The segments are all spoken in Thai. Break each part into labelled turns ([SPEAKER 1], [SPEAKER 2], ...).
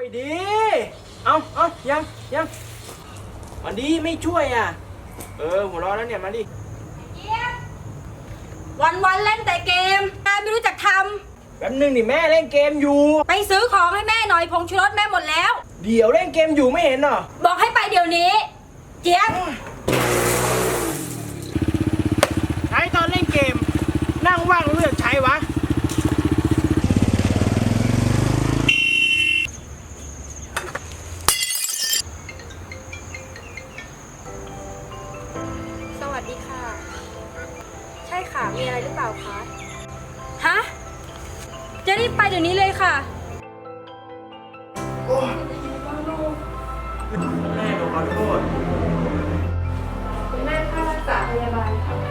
[SPEAKER 1] ดีเอายังมันดีไม่ช่วยอ่ะหัวเราะแล้วเนี่ยมาดิ
[SPEAKER 2] วันเล่นแต่เกมงานไม่รู้จักท
[SPEAKER 1] แป๊บนึงดิแม่เล่นเกมอยู่
[SPEAKER 2] ำไปซื้อของให้แม่หน่อยผงชูรสแม่หมดแล้ว
[SPEAKER 1] เดี๋ยวเล่นเกมอยู่ไม่เห็นเหรอ
[SPEAKER 2] บอกให้ไปเดี๋ยวนี้เจี๊ยบ
[SPEAKER 1] ใช้ตอนเล่นเกมนั่งว่างเลือกใช้วะ
[SPEAKER 2] สวัสดีค่ะใช่ค่ะมีอะไรหรือเปล่าคะฮะจะรีบไปเดี๋ยวนี้เลยค่ะ
[SPEAKER 1] แม่ขอโทษ
[SPEAKER 2] คุณแม่ค่ารักษาพยาบาลค่ะ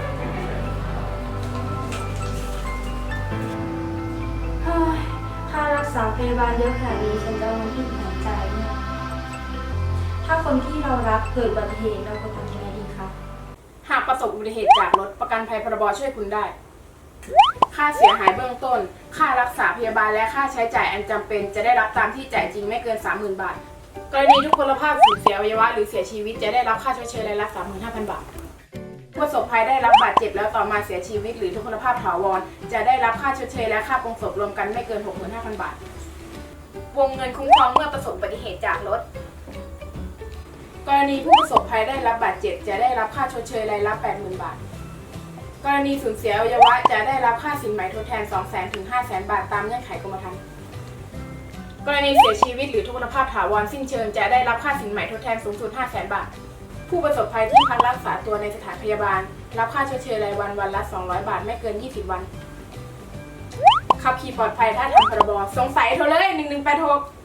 [SPEAKER 2] ค่ารักษาพยาบาลเยอะขนาดนี้ฉันจะเอาเงินที่ไหนจ่ายเนี่ยถ้าคนที่เรารักเกิดอุบัติเหตุเราควรทำยังไงดีคะ
[SPEAKER 3] หากประสบอุบัติเหตุจากรถประกันภัยพรบช่วยคุณได้ค่าเสียหายเบื้องต้นค่ารักษาพยาบาลและค่าใช้จ่ายอันจำเป็นจะได้รับตามที่จ่ายจริงไม่เกิน 30,000 บาทกรณีทุกพลภาพสูญเสียอวัยวะหรือเสียชีวิตจะได้รับค่าชดเชยรายละ 35,000 บาทผู้ประสบภัยได้รับบาดเจ็บแล้วต่อมาเสียชีวิตหรือทุพพลภาพถาวรจะได้รับค่าชดเชยและค่าปลงศพรวมกันไม่เกิน 65,000 บาทวงเงินคุ้มครองเมื่อประสบอุบัติเหตุจากรถกรณีผู้ประสบภัยได้รับบาดเจ็บจะได้รับค่าชดเชยรายละ 80,000 บาทกรณีสูญเสียอวัยวะจะได้รับค่าสินไหมทดแทน 200,000 ถึง 500,000 บาทตามเงื่อนไขกรมธรรม์กรณีเสียชีวิตหรือทุพพลภาพถาวรสิ้นเชิงจะได้รับค่าสินไหมทดแทนสูงสุด 500,000 บาทผู้ประสบภัยที่พักรักษาตัวในสถานพยาบาลรับค่าชดเชยรายวันวันละ 200 บาทไม่เกิน 20 วันขับขี่ปลอดภัยถ้าทำพรบสงสัยโทรเลย1186